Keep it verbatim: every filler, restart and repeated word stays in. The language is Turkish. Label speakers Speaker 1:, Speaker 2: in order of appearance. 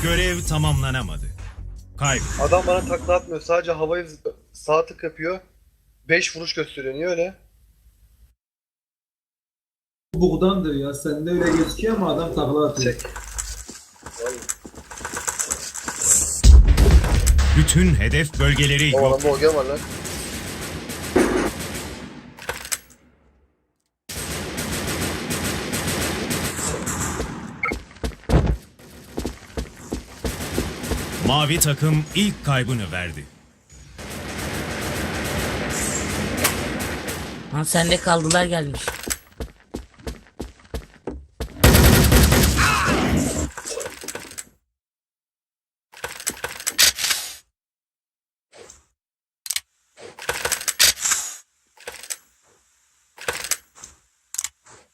Speaker 1: Görev tamamlanamadı. Kayıp.
Speaker 2: Adam bana takla atmıyor. Sadece havayı sağ tık yapıyor. beş vuruş gösteriyor. Niye öyle?
Speaker 3: Bug'dandır ya. Sende öyle gözüküyor ama adam takla atıyor.
Speaker 2: Çek.
Speaker 1: Bütün hedef bölgeleri
Speaker 2: O
Speaker 1: yok.
Speaker 2: adamda ogen var lan.
Speaker 1: Mavi takım ilk kaybını verdi.
Speaker 4: Ha sende kaldılar gelmiş.